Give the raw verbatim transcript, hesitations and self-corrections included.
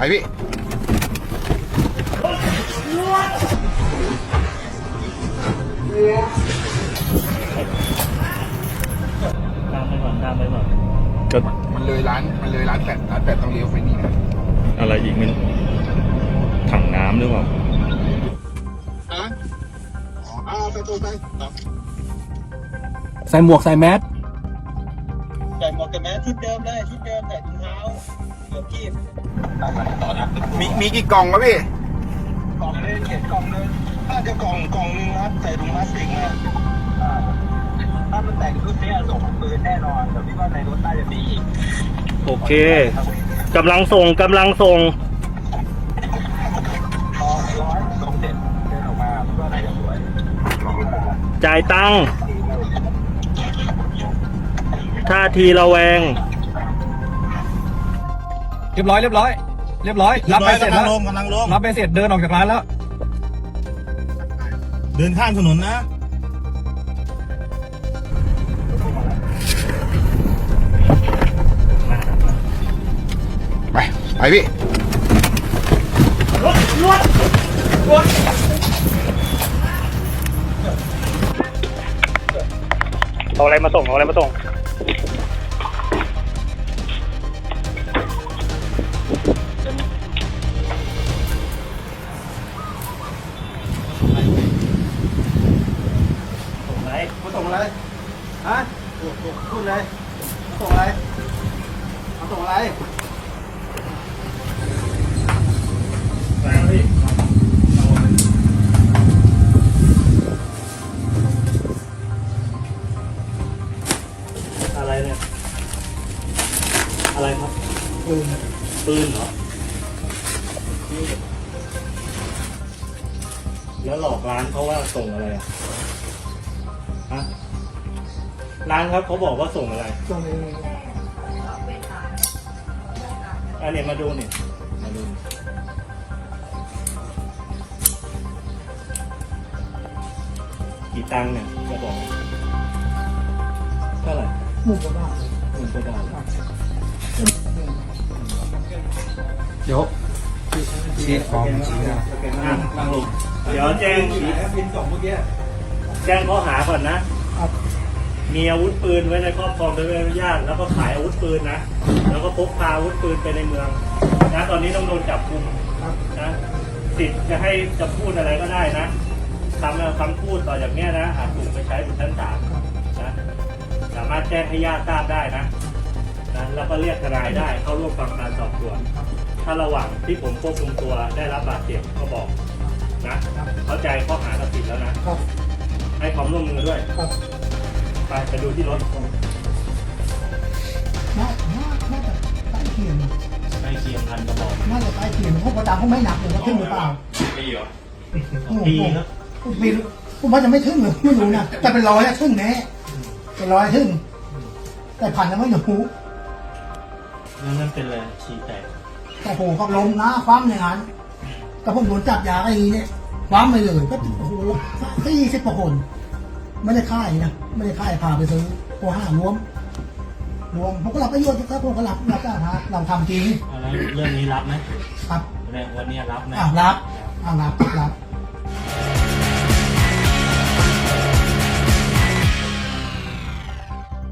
พี่ตามไปก่อนตามไปก่อนก็มันเลยร้านมันเลยร้านแปดร้านแปดต้องเลี้ยวไปนี่นะอะไรอีกมันถังน้ำหรือเปล่าอ่ะอ๋อใส่ตัวไปใส่หมวกใส่แมสใส่หมวกกับแมสชุดเดิมเลยชุดเดิมใส่ถุงเท้าเดี๋ยวกีบมีมีกี่กล่องวะพี่กล่องนึงเขียนกล่องนึงถ้าจะกล่องกล่องนึงครับใส่ถุงพลาสติกมาถ้ามันแต่งชุดนี้ส่งปืนแน่นอนแต่พี่ว่าในรถน่าจะมีอีกโอเคกำลังส่งกำลังส่งร้อยส่งเสร็จเดินออกมาพี่ว่าน่าจะสวยจ่ายตังค์ท่าทีระแวงเรียบร้อยเรียบร้อยเรียบร้อยรับไปเสร็จแล้วกำลังลงรับไปเสร็จเดินออกจากร้านแล้วเดินข้ามถนนนะไปไปพี่รถรถรถเอาอะไรมาส่งเอาอะไรมาส่งมาส่งอะไรฮะพูดเลยมาส่งอะไรมาส่งอะไรอะไรเนี่ยอะไรครับปืนปืนเหรอแล้วหลอกร้านเขาว่าส่งอะไรอ่ะฮะร้านครับเขาบอกว่าส่งอะไรส่งเองอันนี้มาดูนี่มาดูกี่ตังค์เนี่ยจะบอกเท่าไหร่หมื่นกว่าบาทหมื่นกว่าบาทเดี๋ยวชี้ฟอร์มชี้นะนั่งลงเดี๋ยวแจ้งพินสองเมื่อกี้แจ้งข้อหาก่อนนะมีอาวุธปืนไว้ในครอบครองโดยไม่ได้อนุญาตแล้วก็ขายอาวุธปืนนะแล้วก็พกพาอาวุธปืนไปในเมืองนะตอนนี้ต้องโดนจับกุมนะสิทธิ์จะให้จะพูดอะไรก็ได้นะคำคำพูดต่อจากนี้นะอาจถูกไปใช้บนชั้นศาลนะสามารถแจ้งให้ญาติทราบได้นะนะแล้วก็เรียกทนายได้เข้าร่วมฟังการสอบสวนถ้าระหว่างที่ผมควบคุมตัวได้รับบาดเจ็บก็บอกนะเข้าใจข้อหาตัดสินแล้วนะให้ความร่วมมือด้วยไปไปดูที่รถน่าน่าน่าจะใต้เคียงใกล้เคียงพันกระบอกน่าจะใต้เคียงเพราะประดาเขาไม่หนักเลยว่าขึ้นหรือเปล่าปีเหรอปีครับปีผมว่าจะไม่ถึงหรือไม่รู้นะแต่เป็นร้อยอะถึงแน่เป็นร้อยถึงแต่พันยังไม่หนูนั่นนั่นเป็นอะไรฉี่แตกแต่โหก็ลมนะคว้ำอย่างนั้นแต่ผมโดนจับยาไอ้เนี่ยคว้ำไปเลยก็โอ้โหสี่สิบกว่าคนไม่ได้ค่ายนะไม่ได้ค่ายพาไปซื้อโอ้ห้ารวมรวมผมก็รับประโยชน์ครับผมก็รับรับได้ฮะเราทำจริงเรื่องนี้รับไหมครับวันนี้รับไหมอ่ารับอ่ารับรับ